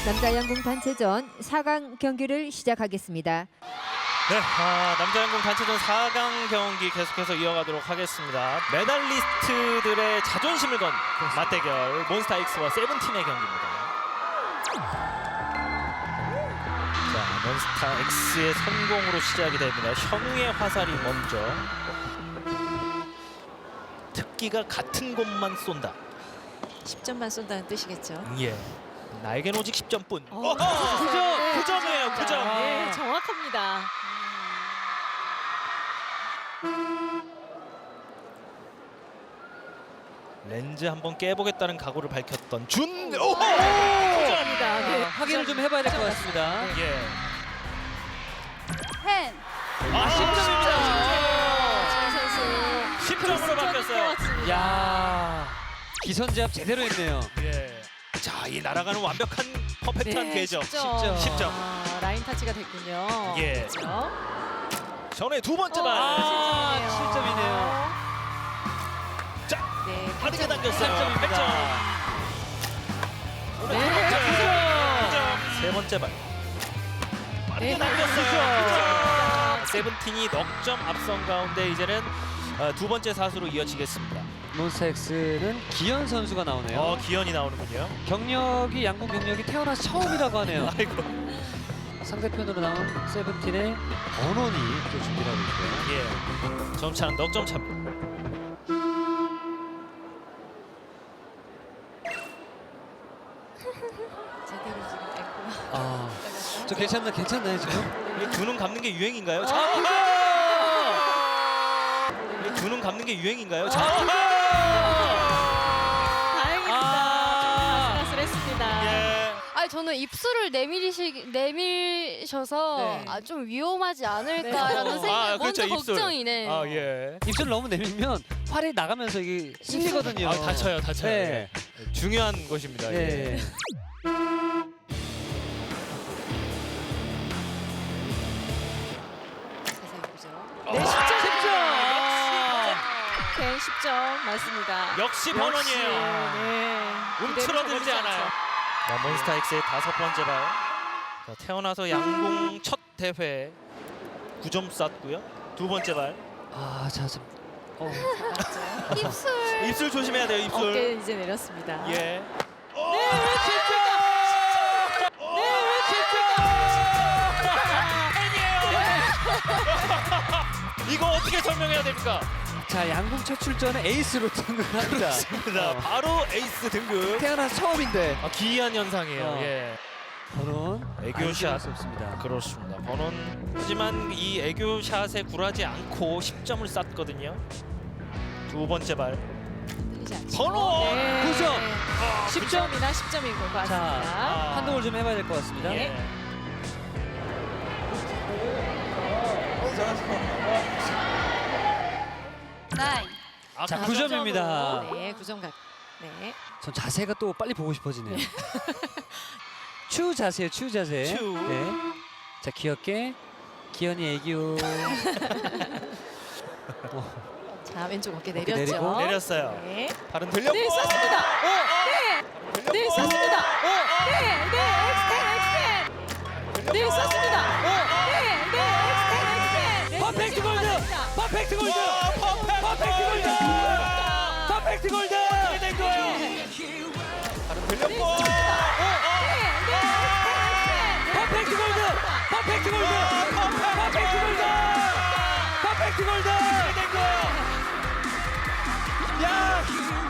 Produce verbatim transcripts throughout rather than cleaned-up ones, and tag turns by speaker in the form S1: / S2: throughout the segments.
S1: 남자 양궁 단체전 사 강 경기를 시작하겠습니다.
S2: 네, 아, 남자 양궁 단체전 사 강 경기 계속해서 이어가도록 하겠습니다. 메달리스트들의 자존심을 건 맞대결 몬스타엑스와 세븐틴의 경기입니다. 자, 몬스타엑스의 성공으로 시작이 됩니다. 현우의 화살이 먼저. 특기가 같은 곳만 쏜다.
S3: 십 점만 쏜다는 뜻이겠죠.
S2: 예. 나에겐 오직 십 점뿐.
S3: 어,
S2: 어, 구 점! 구 점이에요, 구 점.
S3: 네, 정확합니다.
S2: 렌즈 한번 깨보겠다는 각오를 밝혔던 준. 오! 오!
S3: 감사합니다. 네,
S4: 확인을 좀 해봐야 될 것 같습니다.
S2: 예.
S5: 텐.
S2: 아, 십 점입니다.
S3: 진 선수
S2: 십 점으로 바뀌었어요.
S4: 야 기선제압 제대로 했네요.
S2: 예. 자, 이 날아가는 완벽한 퍼펙트한
S3: 네,
S2: 궤적.
S3: 십 점.
S2: 십 점.
S3: 아, 라인 타치가 됐군요.
S2: 예.
S3: 그렇죠?
S2: 전에 두 번째
S3: 어,
S2: 발.
S4: 아,
S3: 칠
S4: 칠 점이네요.
S2: 자,
S3: 네,
S2: 빠르게
S3: 팔 점.
S2: 당겼어요. 팔
S4: 점입니다.
S2: 점.
S3: 네,
S2: 구 점.
S3: 구
S2: 구 점. 세 번째 발. 빠르게
S3: 네,
S2: 당겼어요.
S3: 구 점.
S2: 구 점. 세븐틴이 넉 점 앞선 가운데 이제는 어, 두 번째 사수로 이어지겠습니다.
S4: 몬스타엑스는 기현 선수가 나오네요.
S2: 어, 기현이 나오는군요.
S4: 경력이 양궁 경력이 태어나서 처음이라고 하네요.
S2: 아이고.
S4: 상대편으로 나온 세븐틴의 번원이 또 준비를 하고 있고요.
S2: 예. 점차는 넉 점 차입니다.
S3: 제대로 지금 됐고요.
S4: 아, 저 괜찮나 괜찮나요 지금?
S2: 이게 두 눈 감는 게 유행인가요? 자, 이게 두 눈 감는 게 유행인가요? 자,
S3: 다행입니다.
S4: 아.
S3: 좀 아슬아슬했습니다.
S2: 예.
S5: 아니 저는 입술을 내밀이시 내밀셔서
S3: 네.
S5: 아, 좀 위험하지 않을까라는
S3: 네.
S5: 생각
S2: 아,
S5: 먼저
S2: 그렇죠, 입술.
S5: 걱정이네.
S2: 아, 예.
S4: 입술 너무 내밀면 활이 나가면서 이게 쓸리거든요.
S2: 아, 다쳐요, 다쳐요.
S4: 네.
S2: 예. 중요한 것입니다.
S4: 네.
S2: 예.
S3: 자세히 보죠.
S2: 네,
S3: 십 점.
S4: 십 점.
S3: 오케이, 십 점 맞습니다.
S2: 역시 번원이에요.
S3: 네.
S2: 움츠러들지 않아요. 자, 몬스타엑스의 다섯 번째 발. 자, 태어나서 양궁 첫 대회 구 점 쐈고요. 두 번째 발.
S4: 아, 자, 좀. 어.
S5: 입술.
S2: 입술 조심해야 돼요, 입술.
S3: 어깨 이제 내렸습니다.
S2: 예.
S3: 네, 왜 칠 점? 네, 왜 칠 점?
S2: 이거 어떻게 설명해야 됩니까?
S4: 자, 양궁 첫 출전에 에이스로 등극합니다.
S2: 그렇습니다.
S4: 어.
S2: 바로 에이스 등급.
S4: 태어나서 처음인데.
S2: 아, 기이한 현상이에요.
S4: 어.
S2: 예.
S4: 번원
S2: 애교샷.
S4: 수 없습니다.
S2: 그렇습니다. 번원. 하지만 이 애교샷에 굴하지 않고 십 점을 쐈거든요. 두 번째 발.
S3: 들리지 않죠?
S2: 번원!
S3: 네.
S4: 구 점.
S3: 십 점이나 십 점인 것
S4: 자,
S3: 같습니다.
S4: 판독을 좀 해봐야 될 것 같습니다.
S2: 예.
S5: 나인.
S2: 아,
S4: 자,
S2: 구
S4: 구
S2: 점.
S4: 점입니다.
S3: 네, 구 점 각. 네.
S4: 전 자세가 또 빨리 보고 싶어지네요. 추 자세요, 추 자세.
S2: 추.
S4: 네. 자, 귀엽게 기현이 애교.
S3: 자, 왼쪽 어깨
S4: 어깨
S3: 내렸죠.
S4: 내리고.
S2: 내렸어요.
S3: 네.
S2: 발은 들렸고.
S3: 네, 쐈습니다. 네. 네, 쐈습니다. 네, 네, 엑스텐, 엑스텐. 네, 쐈습니다. 네, 네, 엑스텐, 엑스텐.
S4: 퍼펙트 골드! 퍼펙트 골드! 퍼펙트 골드! 퍼펙트 골드!
S2: 어떻게 된 거예요? 발은 들렸고.
S4: 퍼펙트 골드! 퍼펙트 골드! 퍼펙트 골드! 퍼펙트 골드!
S2: 어떻게 된 거예요? 야!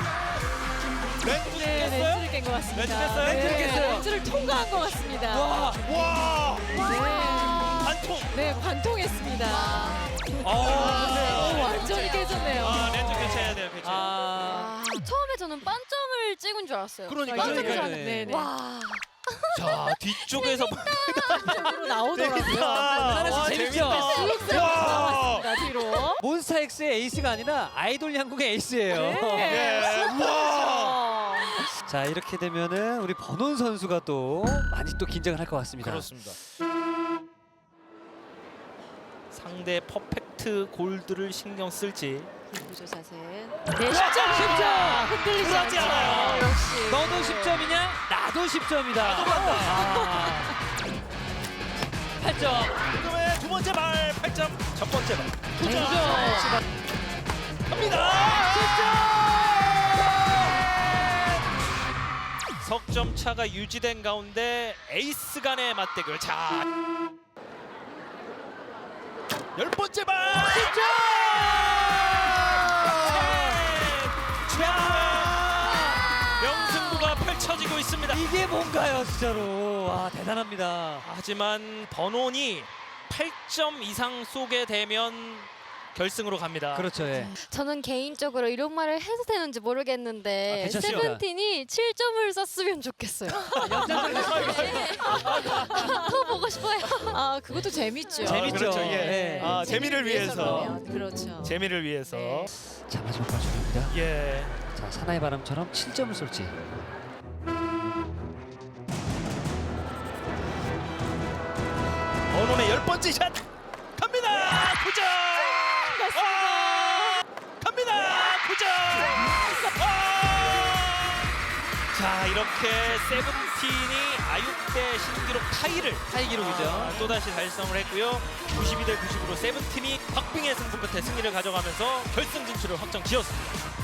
S2: 렌즈
S3: 네,
S2: 깼어요?
S3: 렌즈를 깬 것 같습니다.
S2: 렌즈 깼어요?
S3: 네,
S2: 렌즈를 깼어요?
S3: 렌즈를 통과한 것 같습니다.
S2: 와! 와!
S3: 네,
S2: 반통.
S3: 네, 관통했습니다.
S2: 아,
S3: 오, 완전히 깨졌네요.
S2: 아, 렌즈 교체해야 돼요, 교체.
S4: 아,
S5: 아, 처음에 저는 반점을 찍은 줄 알았어요.
S2: 그러니까요.
S5: 반점인 줄
S4: 그러니까요.
S5: 알았는데.
S3: 네, 네.
S5: 와.
S2: 자, 뒤쪽에서
S3: 쪽으로 나오더라고요.
S2: 재밌다. 와,
S4: 재밌죠?
S2: 재밌다. 와!
S3: 나 뒤로.
S4: 몬스타엑스의 에이스가 아니라 아이돌 양궁의 에이스예요.
S3: 네.
S2: 예. 와!
S4: 자, 이렇게 되면은 우리 번원 선수가 또 많이 또 긴장을 할 것 같습니다.
S2: 그렇습니다. 상대 퍼펙트 골드를 신경 쓸지
S3: 보조 자세. 네, 십 점, 십 점. 흔들리지
S2: 굴하지
S3: 않죠.
S2: 않아요.
S3: 역시.
S4: 너도 십 점이냐? 나도 십 점이다. 나도 간다. 팔 점.
S2: 지금의 두 번째 발 팔 점, 첫 번째 발 구 점. 갑니다. 석점 차가 유지된 가운데 에이스 간의 맞대결. 자, 열 번째 발 십 점. 명승부가 펼쳐지고 있습니다.
S4: 이게 뭔가요, 진짜로. 와, 대단합니다.
S2: 하지만 번원이 팔 점 이상 쏘게 되면 결승으로 갑니다.
S4: 그렇죠, 예.
S5: 저는 개인적으로 이런 말을 해도 되는지
S4: 아,
S5: 모르겠는데
S4: 괜찮습니다.
S5: 세븐틴이 칠 점을 썼으면 좋겠어요. 더 보고 싶어요.
S3: 아, 그것도 재밌죠.
S4: 재밌죠.
S2: 그렇죠, 예.
S4: 네.
S2: 아, 재미를 위해서.
S3: 그러면. 그렇죠.
S2: 재미를 위해서.
S3: 네.
S4: 자, 마지막 발전입니다.
S2: 예.
S4: 자, 사나이 바람처럼 칠 점을 쏠지.
S2: 번원의 열 번째 샷 갑니다. 구 점. 아! 갑니다. 구 점. 아! 자, 이렇게 세븐틴이 아육 대 신기록 타이를
S4: 타이 기록이죠.
S2: 아, 또다시 달성을 했고요. 구십이 대 구십으로 세븐틴이 박빙의 승부 끝에 승리를 가져가면서 결승 진출을 확정 지었습니다.